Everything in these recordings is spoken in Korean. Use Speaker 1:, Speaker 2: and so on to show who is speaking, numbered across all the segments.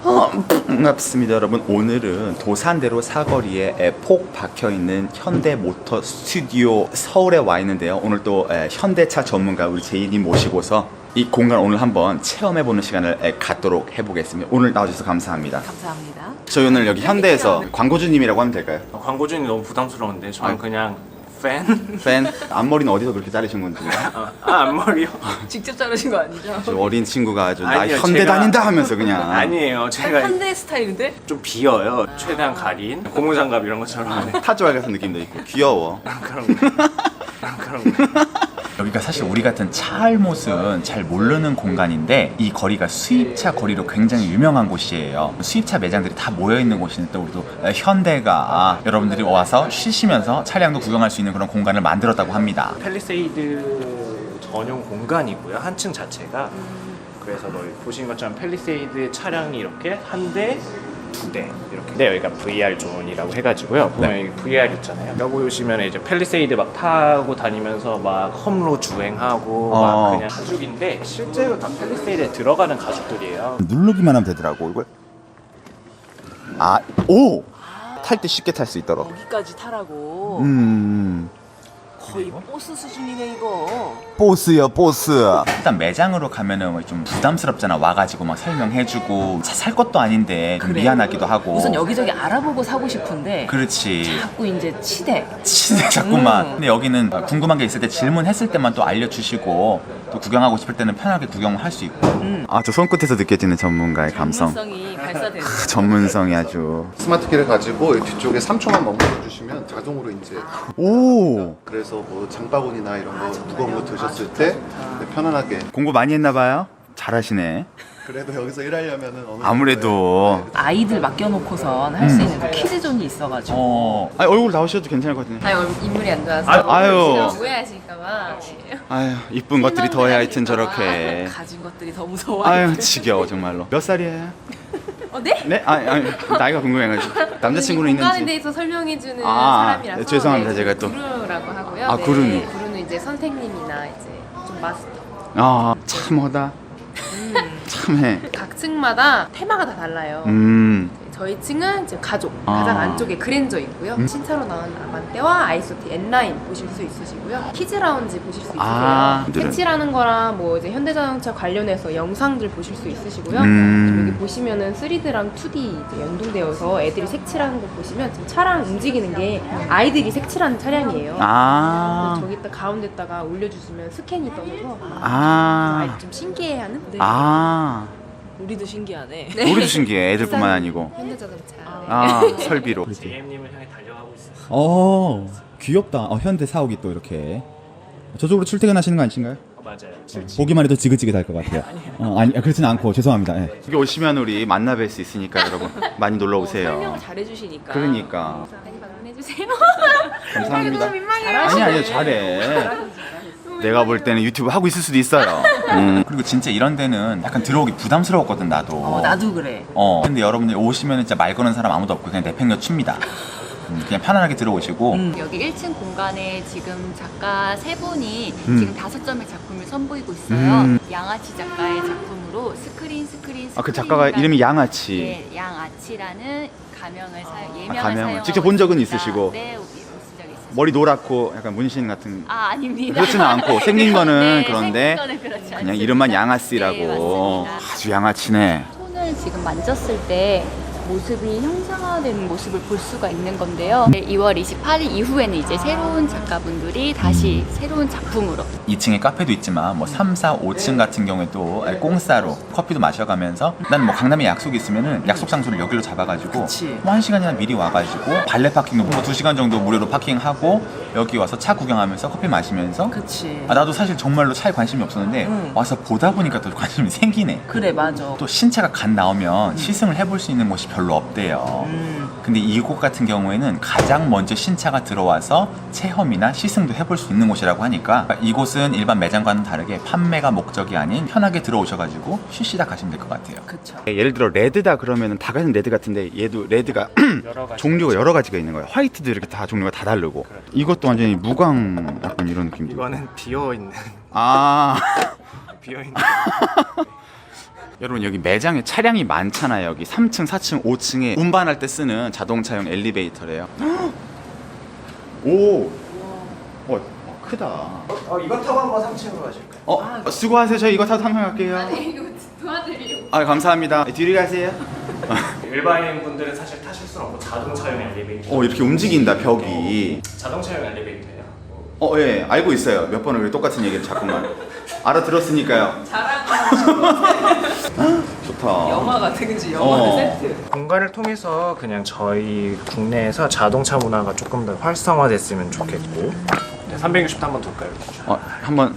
Speaker 1: 반갑습니다 여러분. 오늘은 도산대로 사거리에 폭 박혀있는 현대모터 스튜디오 서울에 와 있는데요. 오늘 또 현대차 전문가 우리 제이님 모시고서 이 공간 오늘 한번 체험해보는 시간을 갖도록 해보겠습니다. 오늘 나와주셔서 감사합니다.
Speaker 2: 감사합니다.
Speaker 1: 저희 오늘 여기 현대에서 광고주님이라고 하면 될까요?
Speaker 3: 광고주님 너무 부담스러운데 저는 그냥 팬?
Speaker 1: 팬? 앞머리는 어디서 그렇게 자르신 건지.
Speaker 3: 앞머리요?
Speaker 2: 직접 자르신 거 아니죠?
Speaker 1: 저 어린 친구가 아주 나
Speaker 3: 아니요,
Speaker 1: 현대
Speaker 3: 제가-
Speaker 1: 다닌다 하면서 그냥.
Speaker 3: 아니에요. 제가
Speaker 2: 현대 스타일인데?
Speaker 3: 좀 비어요. 최대한 가린 고무장갑 이런 것처럼
Speaker 1: 타조알 같은 느낌도 있고 귀여워.
Speaker 3: 그런 거. 그런 거.
Speaker 1: 여기가 사실 우리 같은 차 알못은 잘 모르는 공간인데 이 거리가 수입차 거리로 굉장히 유명한 곳이에요. 수입차 매장들이 다 모여있는 곳인데 또 우리도 현대가 여러분들이 와서 쉬시면서 차량도 구경할 수 있는 그런 공간을 만들었다고 합니다.
Speaker 3: 팰리세이드 전용 공간이고요. 한 층 자체가. 그래서 뭐 보신 것처럼 팰리세이드 차량이 이렇게 한 대, 두 대 이렇게. 근데 여기가 VR 존이라고 해가지고요. 보면 여기 VR 있잖아요. 여기 보시면 이제 팰리세이드 막 타고 다니면서 막 험로 주행하고 막 그냥 가죽인데 실제로 다 팰리세이드에 들어가는 가죽들이에요.
Speaker 1: 누르기만 하면 되더라고 이걸. 오! 탈 때 쉽게 탈 수 있도록.
Speaker 2: 여기까지 타라고. 거의 보스 수준이네 이거.
Speaker 1: 보스요 보스. 일단 매장으로 가면은 좀 부담스럽잖아. 와가지고 막 설명해주고 살 것도 아닌데 좀
Speaker 2: 그래.
Speaker 1: 미안하기도 하고.
Speaker 2: 우선 여기저기 알아보고 사고 싶은데
Speaker 1: 그렇지.
Speaker 2: 자꾸 이제 치대.
Speaker 1: 치네 자꾸만. 근데 여기는 궁금한 게 있을 때 질문했을 때만 또 알려주시고 또 구경하고 싶을 때는 편하게 구경할 수 있고. 저 손끝에서 느껴지는 전문가의 감성.
Speaker 2: 전문성이 발사되는.
Speaker 1: 전문성이 아주.
Speaker 4: 스마트키를 가지고 이 뒤쪽에 3초만 머물러 주시면 자동으로 이제
Speaker 1: 오.
Speaker 4: 그래서 뭐 장바구니나 이런 거 무거운 거 드셨을 때 편안하게.
Speaker 1: 공부 많이 했나봐요. 잘하시네.
Speaker 4: 그래도 여기서 일하려면은 어느
Speaker 1: 아무래도.
Speaker 2: 아이들 맡겨놓고선 할 수 있는 그 키즈존이 있어가지고.
Speaker 1: 얼굴 나오셔도 괜찮을 것 같은데.
Speaker 5: 인물이 안 좋아서
Speaker 1: 아유.
Speaker 5: 오해하실까봐.
Speaker 1: 아유 이쁜 것들이 더해 하여튼 저렇게.
Speaker 2: 가진 것들이 더 무서워.
Speaker 1: 아유 지겨워 정말로. 몇 살이에요?
Speaker 5: 네?
Speaker 1: 네? 나이가 궁금해가지고. 남자친구는
Speaker 5: 공간에
Speaker 1: 있는지.
Speaker 5: 대해서 설명해주는
Speaker 1: 아,
Speaker 5: 사람이라서
Speaker 1: 죄송합니다, 제가 또.
Speaker 5: 구루라고 하고요.
Speaker 1: 아, 구루님.
Speaker 5: 구루는 이제 선생님이나 이제 좀 마스터.
Speaker 1: 참하다. 참해.
Speaker 5: 각 층마다 테마가 다 달라요. 저희 층은 이제 가족, 가장 안쪽에 그랜저 있고요. 신차로 나온 아반떼와 아이소티 N9 보실 수 있으시고요. 키즈 라운지 보실 수 있으세요. 색칠하는 거랑 뭐 이제 현대자동차 관련해서 영상들 보실 수 있으시고요. 지금 여기 보시면은 3D랑 2D 이제 연동되어서 애들이 색칠하는 거 보시면 지금 차량 움직이는 게 아이들이 색칠하는 차량이에요. 그래서 저기다 가운데다가 올려주시면 스캔이 떠서 아이들 좀 신기해하는? 네.
Speaker 2: 우리도 신기하네.
Speaker 1: 우리도 신기해. 애들뿐만 아니고.
Speaker 5: 현대자동차.
Speaker 1: 설비로.
Speaker 3: JM님을 향해 달려가고 있어요.
Speaker 6: 귀엽다. 현대 사옥이 또 이렇게 저쪽으로 출퇴근하시는 거 아니신가요?
Speaker 3: 맞아요.
Speaker 6: 보기만 해도 지긋지긋할 것 같아요. 아니 그렇진 않고 죄송합니다. 예.
Speaker 1: 여기 오시면 우리 만나 뵐 수 있으니까 여러분 많이 놀러 오세요.
Speaker 2: 설명 잘해주시니까.
Speaker 1: 그러니까.
Speaker 5: 많이 방문해주세요.
Speaker 1: 감사합니다.
Speaker 5: 민망해요.
Speaker 1: 아니 잘해. 내가 볼 때는 유튜브 하고 있을 수도 있어요. 그리고 진짜 이런 데는 약간 들어오기 부담스러웠거든 나도.
Speaker 2: 나도 그래.
Speaker 1: 근데 여러분들 오시면 진짜 말 거는 사람 아무도 없고 그냥 내팽겨칩니다. 그냥 편안하게 들어오시고.
Speaker 7: 여기 1층 공간에 지금 작가 세 분이 지금 5점의 작품을 선보이고 있어요. 양아치 작가의 작품으로 스크린.
Speaker 1: 그 작가가 이름이 양아치.
Speaker 7: 네, 양아치라는 가명을 예명을
Speaker 1: 가명을
Speaker 7: 사용하고
Speaker 1: 직접 본 적은
Speaker 7: 있습니다.
Speaker 1: 있으시고.
Speaker 7: 네, 본 적이 있어요.
Speaker 1: 머리 노랗고 약간 문신 같은.
Speaker 7: 아닙니다.
Speaker 1: 그렇지는 않고 생긴 거는
Speaker 7: 네,
Speaker 1: 그런데
Speaker 7: 생긴 거는 그렇지
Speaker 1: 그냥
Speaker 7: 않습니다.
Speaker 1: 이름만 양아씨라고.
Speaker 7: 네, 맞습니다.
Speaker 1: 아주 양아치네.
Speaker 7: 손을 지금 만졌을 때 모습이 형상화되는 모습을 볼 수가 있는 건데요. 2월 28일 이후에는 이제 새로운 작가분들이 다시 새로운 작품으로
Speaker 1: 2층에 카페도 있지만 뭐 3, 4, 5층 같은 경우에도 공짜로 커피도 마셔가면서 난 뭐 강남에 약속이 있으면은 약속 장소를 여기로 잡아가지고
Speaker 2: 그치.
Speaker 1: 뭐 1시간이나 미리 와가지고 발레 파킹도 뭐 2시간 정도 무료로 파킹하고 여기 와서 차 구경하면서 커피 마시면서.
Speaker 2: 그치.
Speaker 1: 나도 사실 정말로 차에 관심이 없었는데 와서 보다 보니까 또 관심이 생기네.
Speaker 2: 그래 맞아.
Speaker 1: 또 신차가 갓 나오면 시승을 해볼 수 있는 곳이 별로 없대요. 근데 이곳 같은 경우에는 가장 먼저 신차가 들어와서 체험이나 시승도 해볼 수 있는 곳이라고 하니까 이곳은 일반 매장과는 다르게 판매가 목적이 아닌 편하게 들어오셔가지고 쉬시다 가시면 될 것 같아요.
Speaker 2: 그쵸.
Speaker 1: 예를 들어 레드다 그러면 다 같은 레드 같은데 얘도 레드가
Speaker 3: 여러 가지
Speaker 1: 종류가 여러 가지가 있는 거예요. 화이트도 이렇게 다 종류가 다 다르고. 이것도 완전히 무광 약간 이런 느낌도.
Speaker 3: 이거는 비어있는
Speaker 1: 아
Speaker 3: 비어있는
Speaker 1: 여러분 여기 매장에 차량이 많잖아요. 여기 3층, 4층, 5층에 운반할 때 쓰는 자동차용 엘리베이터래요. 오, 크다.
Speaker 3: 이거 타고 한번 3층으로 가실까요?
Speaker 1: 수고하세요. 저희 이거 타고 상상 갈게요.
Speaker 5: 이거 도와드리려고.
Speaker 1: 감사합니다. 뒤로 가세요.
Speaker 3: 일반인 분들은 사실 타실 수는 없고 자동차용 엘리베이터.
Speaker 1: 이렇게 움직인다 벽이.
Speaker 3: 자동차용 엘리베이터예요.
Speaker 1: 예, 알고 있어요. 몇 번을 똑같은 얘기를 자꾸만 알아들었으니까요. 좋다.
Speaker 2: 영화 같은 그지 영화 세트.
Speaker 3: 공간을 통해서 그냥 저희 국내에서 자동차 문화가 조금 더 활성화됐으면 좋겠고. 360도 한번 돌까요?
Speaker 1: 한번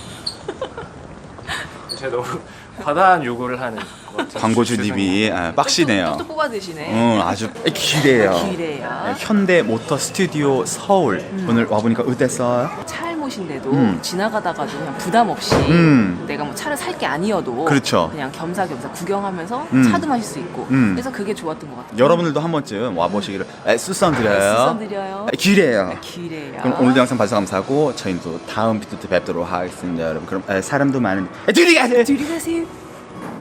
Speaker 3: 제가 너무 과다한 요구를 하는 것 같아요.
Speaker 1: 광고주님이 빡시네요.
Speaker 2: 또 뽑아 드시네.
Speaker 1: 아주 기래요.
Speaker 2: 기래요.
Speaker 1: 현대 모터 스튜디오 서울 오늘 와보니까 어땠어요?
Speaker 2: 차일못인데도 지나가다가도 그냥 부담 없이 내가 뭐 차를 살 게 아니어도
Speaker 1: 그렇죠.
Speaker 2: 그냥 겸사겸사 구경하면서 차도 마실 수 있고 그래서 그게 좋았던 것 같아요.
Speaker 1: 여러분들도 한 번쯤 와보시기를 추천드려요.
Speaker 2: 추천드려요.
Speaker 1: 기래요.
Speaker 2: 기래요.
Speaker 1: 그럼 오늘도 영상 봐주셔서 감사하고 저희는 또 다음 비트 때 뵙도록 하겠습니다 여러분. 그럼 사람도 많은데 둘이 가세요.
Speaker 2: 둘이 가세요.